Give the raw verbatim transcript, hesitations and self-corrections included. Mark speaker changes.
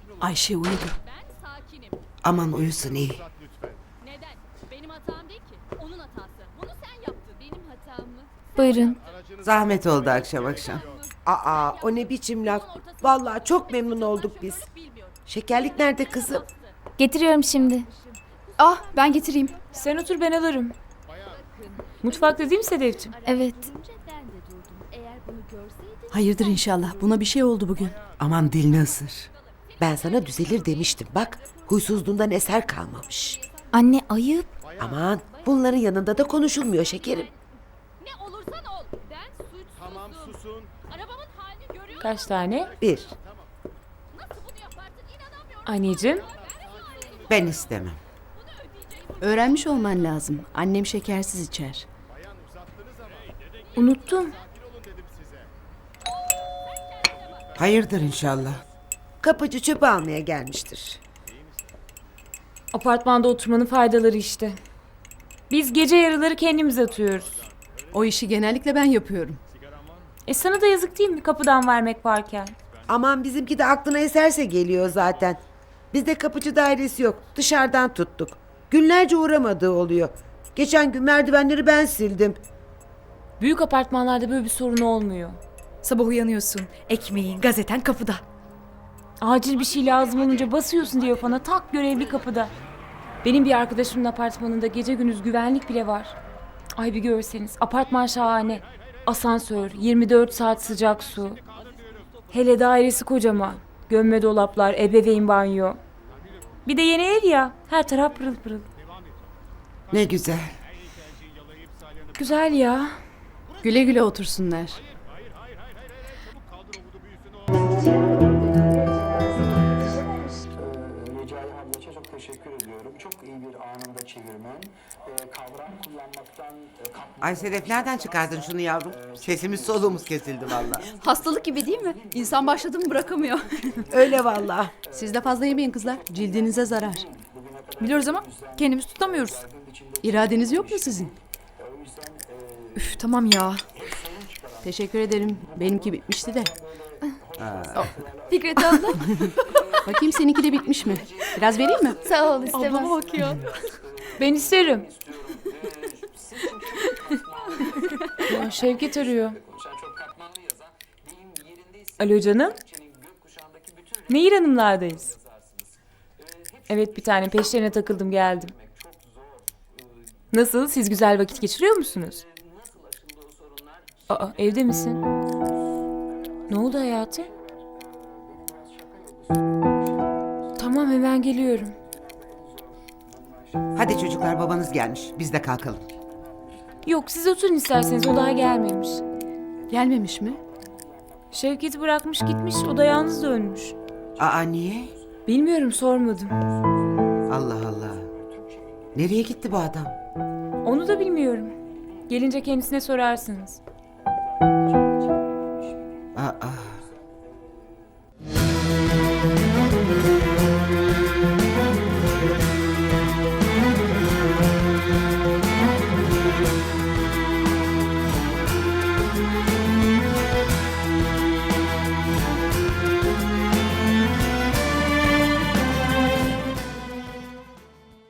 Speaker 1: Ayşe uyudu.
Speaker 2: Ben sakinim.
Speaker 3: Aman uyusun iyi.
Speaker 2: Neden? Benim hatam değil ki. Onun hatası. Bunu sen yaptın. Benim hatam mı?
Speaker 4: Buyurun.
Speaker 3: Zahmet oldu akşam akşam.
Speaker 5: Aa, o ne biçim laf. Vallahi çok memnun olduk biz. Şekerlik nerede kızım?
Speaker 4: Getiriyorum şimdi.
Speaker 1: Ah ben getireyim.
Speaker 6: Sen otur ben alırım. Mutfakta değil mi Sedefciğim?
Speaker 4: Evet.
Speaker 2: Ben de durdum. Eğer bunu görseydin...
Speaker 1: Hayırdır inşallah. Buna bir şey oldu bugün.
Speaker 3: Aman dilini ısır.
Speaker 5: Ben sana düzelir demiştim bak. Huysuzluğundan eser kalmamış.
Speaker 4: Anne ayıp.
Speaker 5: Aman bunların yanında da konuşulmuyor şekerim.
Speaker 2: Ne olursan ol. Ben suçsuzum. Tamam susun. Arabamın halini görüyor musun?
Speaker 6: Kaç tane?
Speaker 5: Bir.
Speaker 2: Nasıl bunu yaparsın? İnanamıyorum.
Speaker 6: Anneciğim.
Speaker 3: Ben istemem.
Speaker 1: Öğrenmiş olman lazım. Annem şekersiz içer.
Speaker 6: Unuttum.
Speaker 3: Hayırdır inşallah.
Speaker 5: Kapıcı çöp almaya gelmiştir.
Speaker 6: Apartmanda oturmanın faydaları işte. Biz gece yarıları kendimiz atıyoruz.
Speaker 1: O işi genellikle ben yapıyorum.
Speaker 6: E sana da yazık değil mi kapıdan vermek varken?
Speaker 5: Aman bizimki de aklına eserse geliyor zaten. Bizde kapıcı dairesi yok. Dışarıdan tuttuk. Günlerce uğramadığı oluyor. Geçen gün merdivenleri ben sildim.
Speaker 6: Büyük apartmanlarda böyle bir sorun olmuyor.
Speaker 7: Sabah uyanıyorsun, ekmeğin, gazeten kapıda.
Speaker 6: Acil bir şey lazım olunca basıyorsun diyafona, tak görevli kapıda. Benim bir arkadaşımın apartmanında gece gündüz güvenlik bile var. Ay bir görseniz apartman şahane. Asansör, yirmi dört saat sıcak su. Hele dairesi kocaman. Gömme dolaplar, ebeveyn banyo. Bir de yeni ev ya, her taraf pırıl pırıl.
Speaker 3: Ne güzel.
Speaker 6: Güzel ya.
Speaker 1: Güle güle otursunlar.
Speaker 8: Recai Hallaç'a çok teşekkür ediyorum. Çok iyi bir anında çevirmen. Ee, kavram kullanmaktan... E, kapma-
Speaker 3: Ay Sedef nereden çıkardın şunu yavrum? Sesimiz soluğumuz kesildi vallahi.
Speaker 1: Hastalık gibi değil mi? İnsan başladı mı bırakamıyor.
Speaker 5: Öyle vallahi.
Speaker 1: Siz de fazla yemeyin kızlar. Cildinize zarar.
Speaker 7: Biliyoruz ama kendimiz tutamıyoruz.
Speaker 1: İradeniz yok mu sizin?
Speaker 7: Üf tamam ya.
Speaker 1: Teşekkür ederim. Benimki bitmişti de.
Speaker 4: Fikret abla.
Speaker 1: Bakayım seninki de bitmiş mi? Biraz vereyim mi?
Speaker 4: Sağ ol istemez.
Speaker 7: Ablama bak ya.
Speaker 6: Ben isterim. Ya, Şevket arıyor. Alo canım. Nehir Hanımlardayız. Evet bir tane peşlerine takıldım geldim. Nasıl? Siz güzel vakit geçiriyor musunuz? Aa evde misin? Ne oldu hayatım? Tamam hemen geliyorum.
Speaker 3: Hadi çocuklar babanız gelmiş. Biz de kalkalım.
Speaker 6: Yok siz oturun isterseniz o daha gelmemiş.
Speaker 1: Gelmemiş mi?
Speaker 6: Şevket'i bırakmış gitmiş o da yalnız dönmüş.
Speaker 3: Aa niye?
Speaker 6: Bilmiyorum sormadım.
Speaker 3: Allah Allah. Nereye gitti bu adam?
Speaker 6: Onu da bilmiyorum. Gelince kendisine sorarsınız.